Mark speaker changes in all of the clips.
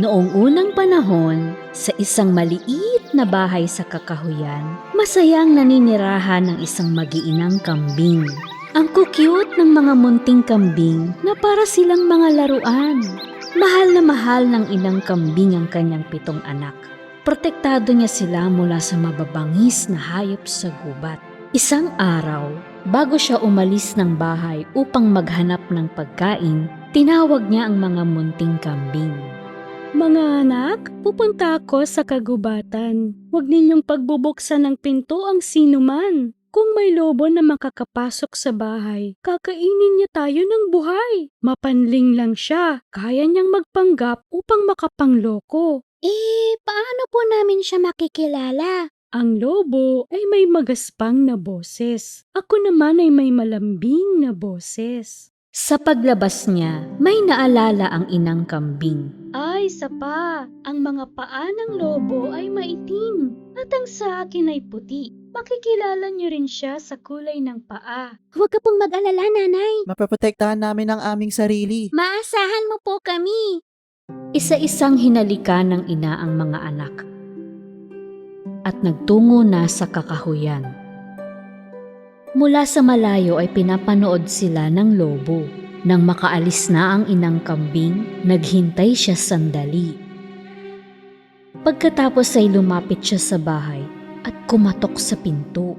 Speaker 1: Noong unang panahon, sa isang maliit na bahay sa kakahuyan, masayang naninirahan ng isang mag-iinang kambing. Ang kukyut ng mga munting kambing na para silang mga laruan. Mahal na mahal ng inang kambing ang kanyang 7 anak. Protektado niya sila mula sa mababangis na hayop sa gubat. Isang araw, bago siya umalis ng bahay upang maghanap ng pagkain, tinawag niya ang mga munting kambing.
Speaker 2: Mga anak, pupunta ako sa kagubatan. Huwag ninyong pagbubuksan ng pinto ang sinuman. Kung may lobo na makakapasok sa bahay, kakainin niya tayo ng buhay. Mapanling lang siya, kaya niyang magpanggap upang makapangloko.
Speaker 3: Paano po namin siya makikilala?
Speaker 2: Ang lobo ay may magaspang na boses. Ako naman ay may malambing na boses.
Speaker 1: Sa paglabas niya, may naalala ang inang kambing.
Speaker 2: Ay, sapa, ang mga paa ng lobo ay maitim at ang sa akin ay puti. Makikilala niyo rin siya sa kulay ng paa.
Speaker 3: Huwag ka pong mag-alala, nanay.
Speaker 4: Mapaprotektahan namin ang aming sarili.
Speaker 3: Maasahan mo po kami.
Speaker 1: Isa-isang hinalikan ng ina ang mga anak at nagtungo na sa kakahuyan. Mula sa malayo ay pinapanood sila ng lobo. Nang makaalis na ang inang kambing, naghintay siya sandali. Pagkatapos ay lumapit siya sa bahay at kumatok sa pinto.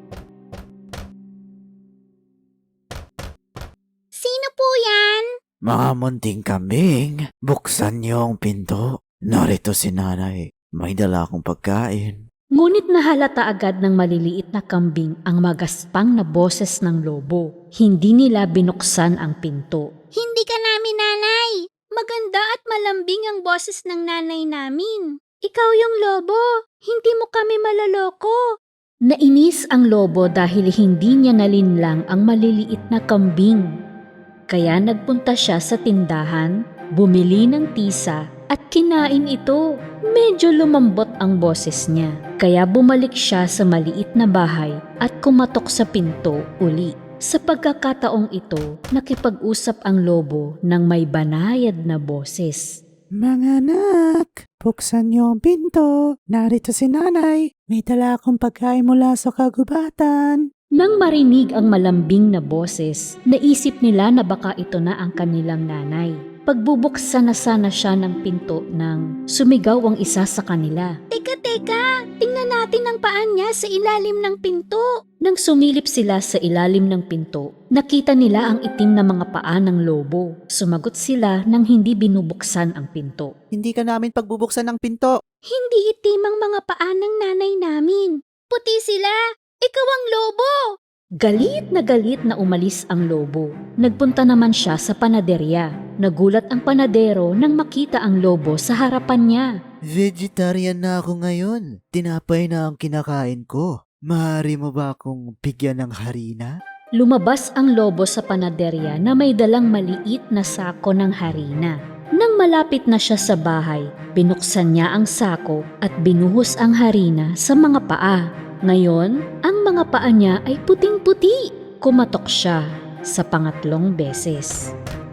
Speaker 3: Sino po yan?
Speaker 4: Mga munting kambing, buksan niyo ang pinto. Narito si nanay. May dala akong pagkain.
Speaker 1: Ngunit nahalata agad ng maliliit na kambing ang magaspang na boses ng lobo. Hindi nila binuksan ang pinto.
Speaker 3: Hindi ka namin nanay. Maganda at malambing ang boses ng nanay namin. Ikaw yung lobo. Hindi mo kami malaloko.
Speaker 1: Nainis ang lobo dahil hindi niya nalinlang ang maliliit na kambing. Kaya nagpunta siya sa tindahan, bumili ng tisa at kinain ito. Medyo lumambot ang boses niya. Kaya bumalik siya sa maliit na bahay at kumatok sa pinto uli. Sa pagkakataong ito, nakipag-usap ang lobo ng may banayad na boses.
Speaker 4: Mga anak, buksan niyo ang pinto. Narito si nanay. May dala akong pagkain mula sa kagubatan.
Speaker 1: Nang marinig ang malambing na boses, naisip nila na baka ito na ang kanilang nanay. Pagbubuksan na sana siya ng pinto nang sumigaw ang isa sa kanila.
Speaker 3: Teka, tingnan natin ang paan niya sa ilalim ng pinto.
Speaker 1: Nang sumilip sila sa ilalim ng pinto, nakita nila ang itim na mga paa ng lobo. Sumagot sila nang hindi binubuksan ang pinto.
Speaker 4: Hindi ka namin pagbubuksan ng pinto.
Speaker 3: Hindi itim ang mga paa ng nanay namin. Puti sila. Ikaw ang lobo.
Speaker 1: Galit na umalis ang lobo. Nagpunta naman siya sa panaderya. Nagulat ang panadero nang makita ang lobo sa harapan niya.
Speaker 4: Vegetarian na ako ngayon. Tinapay na ang kinakain ko. Maaari mo ba akong bigyan ng harina?
Speaker 1: Lumabas ang lobo sa panaderya na may dalang maliit na sako ng harina. Nang malapit na siya sa bahay, binuksan niya ang sako at binuhos ang harina sa mga paa. Ngayon, ang mga paa niya ay puting-puti. Kumatok siya sa pangatlong beses.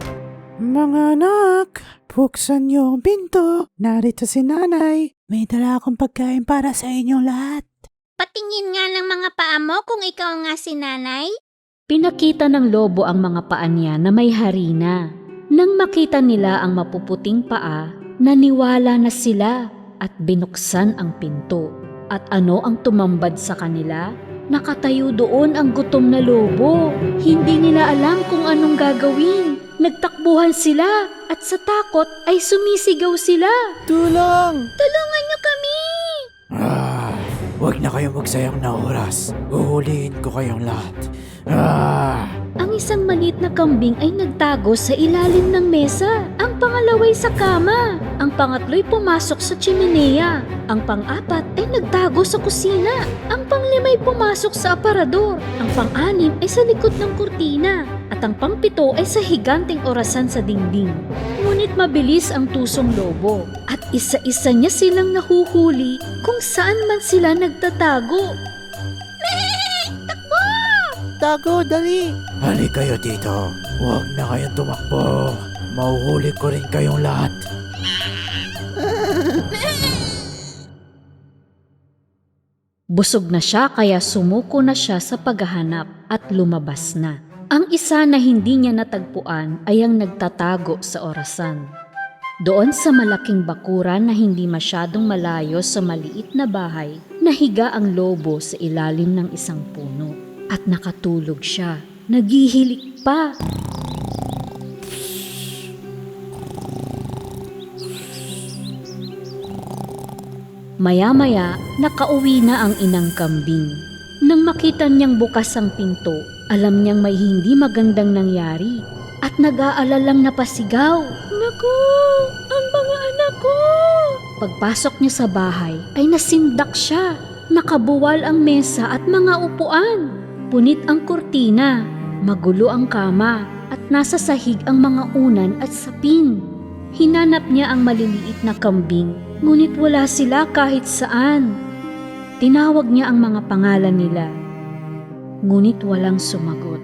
Speaker 4: Mga anak, buksan niyo ang pinto. Narito si nanay. May dala akong pagkain para sa inyong lahat.
Speaker 3: Patingin nga ng mga paa mo kung ikaw nga si nanay.
Speaker 1: Pinakita ng lobo ang mga paa niya na may harina. Nang makita nila ang mapuputing paa, naniwala na sila at binuksan ang pinto. At ano ang tumambad sa kanila? Nakatayo doon ang gutom na lobo. Hindi nila alam kung anong gagawin. Nagtakbuhan sila at sa takot ay sumisigaw sila.
Speaker 4: Tulong!
Speaker 3: Tulungan niyo kami!
Speaker 4: Huwag na kayong magsayang na oras. Uhulihin ko kayong lahat.
Speaker 1: Ang isang maliit na kambing ay nagtago sa ilalim ng mesa. Ang pangalaway sa kama. Ang pangatlo'y pumasok sa chimenea. Ang pang-apat ay nagtago sa kusina. Ang panglima'y pumasok sa aparador. Ang pang-anim ay sa likod ng kurtina. At ang pang-pito ay sa higanteng orasan sa dingding. Ngunit mabilis ang tusong lobo. At isa-isa niya silang nahuhuli kung saan man sila nagtatago.
Speaker 4: Tago, dali! Hali kayo dito. Huwag na kayong tumakbo. Mauhuli ko rin kayong lahat.
Speaker 1: Busog na siya kaya sumuko na siya sa paghahanap at lumabas na. Ang isa na hindi niya natagpuan ay ang nagtatago sa orasan. Doon sa malaking bakuran na hindi masyadong malayo sa maliit na bahay, nahiga ang lobo sa ilalim ng isang puno. At nakatulog siya. Naghihilik pa. Maya-maya, nakauwi na ang inang kambing. Nang makita niyang bukas ang pinto, alam niyang may hindi magandang nangyari at nag-aalalang napasigaw.
Speaker 2: Naku! Ang mga anak ko!
Speaker 1: Pagpasok niya sa bahay ay nasindak siya. Nakabuwal ang mesa at mga upuan. Punit ang kurtina, magulo ang kama at nasa sahig ang mga unan at sapin. Hinanap niya ang maliliit na kambing, ngunit wala sila kahit saan. Tinawag niya ang mga pangalan nila, ngunit walang sumagot.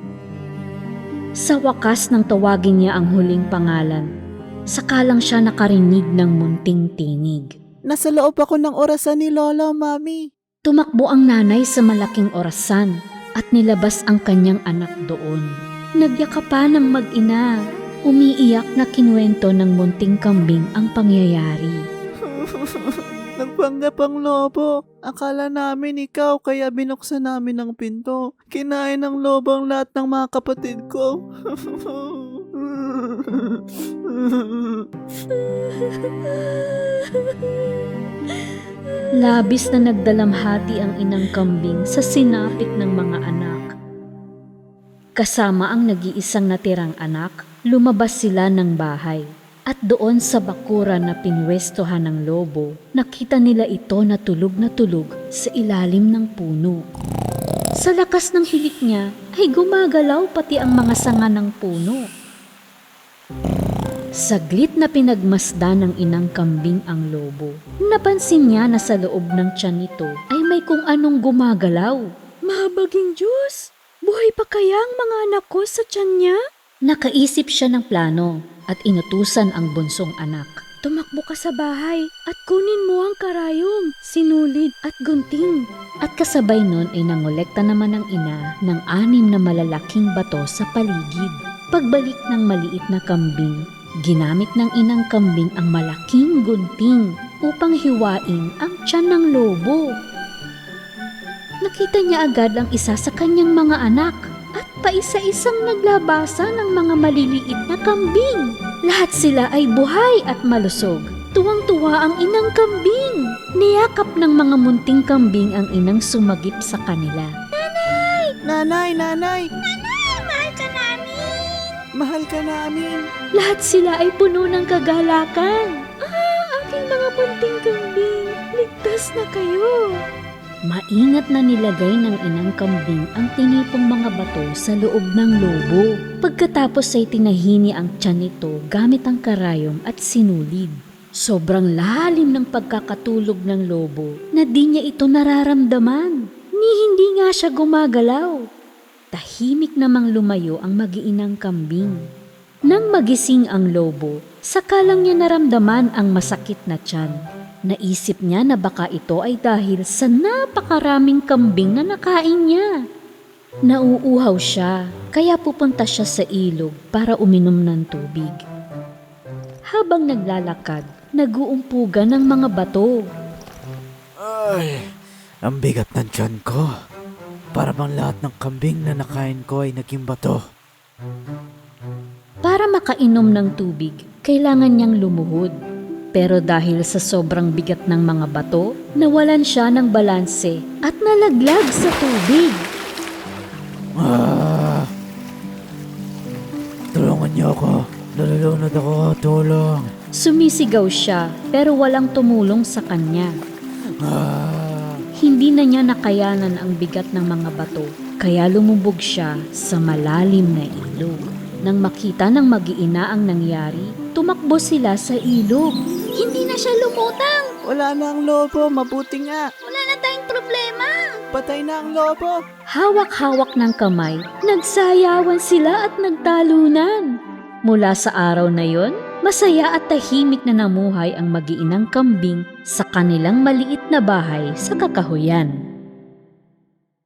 Speaker 1: Sa wakas nang tawagin niya ang huling pangalan, saka lang siya nakarinig ng munting tinig.
Speaker 4: Nasa loob ako ng orasan ni Lola, Mami.
Speaker 1: Tumakbo ang nanay sa malaking orasan at nilabas ang kanyang anak doon. Nagyakapan ng mag-ina. Umiiyak na kinuwento ng munting kambing ang pangyayari.
Speaker 4: Nagpanggap ang lobo. Akala namin ikaw kaya binuksan namin ang pinto. Kinain ng lobo ang lahat ng mga kapatid ko.
Speaker 1: Labis na nagdalamhati ang inang kambing sa sinapit ng mga anak. Kasama ang nag-iisang natirang anak, lumabas sila ng bahay. At doon sa bakuran na pinwestohan ng lobo, nakita nila ito na tulog sa ilalim ng puno. Sa lakas ng hilik niya ay gumagalaw pati ang mga sanga ng puno. Saglit na pinagmasdan ng inang kambing ang lobo. Napansin niya na sa loob ng tiyan nito ay may kung anong gumagalaw.
Speaker 2: Mahabaging Diyos! Buhay pa kaya ang mga anak ko sa tiyan niya?
Speaker 1: Nakaisip siya ng plano at inutusan ang bunsong anak.
Speaker 2: Tumakbo ka sa bahay at kunin mo ang karayom, sinulid at gunting.
Speaker 1: At kasabay nun ay nangolekta naman ng ina ng 6 na malalaking bato sa paligid. Pagbalik ng maliit na kambing, ginamit ng inang kambing ang malaking gunting upang hiwain ang tiyan ng lobo. Nakita niya agad ang isa sa kanyang mga anak at paisa-isang naglabasa ng mga maliliit na kambing. Lahat sila ay buhay at malusog. Tuwang-tuwa ang inang kambing. Niyakap ng mga munting kambing ang inang sumagip sa kanila.
Speaker 4: Nanay!
Speaker 3: Nanay, mahal ka namin!
Speaker 4: Mahal ka namin!
Speaker 2: Lahat sila ay puno ng kagalakan. Aking mga munting kambing, ligtas na kayo.
Speaker 1: Maingat na nilagay ng inang kambing ang tinipong mga bato sa loob ng lobo. Pagkatapos ay tinahini ang tiyan nito gamit ang karayom at sinulid. Sobrang lalim ng pagkakatulog ng lobo na di niya ito nararamdaman. Ni hindi nga siya gumagalaw. Tahimik namang lumayo ang mag-iinang kambing. Nang magising ang lobo, saka lang niya naramdaman ang masakit na tiyan. Naisip niya na baka ito ay dahil sa napakaraming kambing na nakain niya. Nauuhaw siya, kaya pupunta siya sa ilog para uminom ng tubig. Habang naglalakad, naguumpugan ng mga bato.
Speaker 4: Ay, ang bigat ng tiyan ko. Para bang lahat ng kambing na nakain ko ay naging bato.
Speaker 1: Para makainom ng tubig, kailangan niyang lumuhod. Pero dahil sa sobrang bigat ng mga bato, nawalan siya ng balanse at nalaglag sa tubig.
Speaker 4: Tulungan niyo ako. Nalulunod ako. Tulong.
Speaker 1: Sumisigaw siya pero walang tumulong sa kanya. Hindi na niya nakayanan ang bigat ng mga bato, kaya lumubog siya sa malalim na ilog. Nang makita ng mag-iina ang nangyari, tumakbo sila sa ilog.
Speaker 3: Hindi na siya lumutang!
Speaker 4: Wala na ang lobo. Mabuti nga.
Speaker 3: Wala na tayong problema!
Speaker 4: Patay na ang lobo.
Speaker 1: Hawak-hawak ng kamay, nagsayawan sila at nagtalunan. Mula sa araw na yon, Masaya at tahimik na namuhay ang mag-iinang kambing sa kanilang maliit na bahay sa kakahuyan.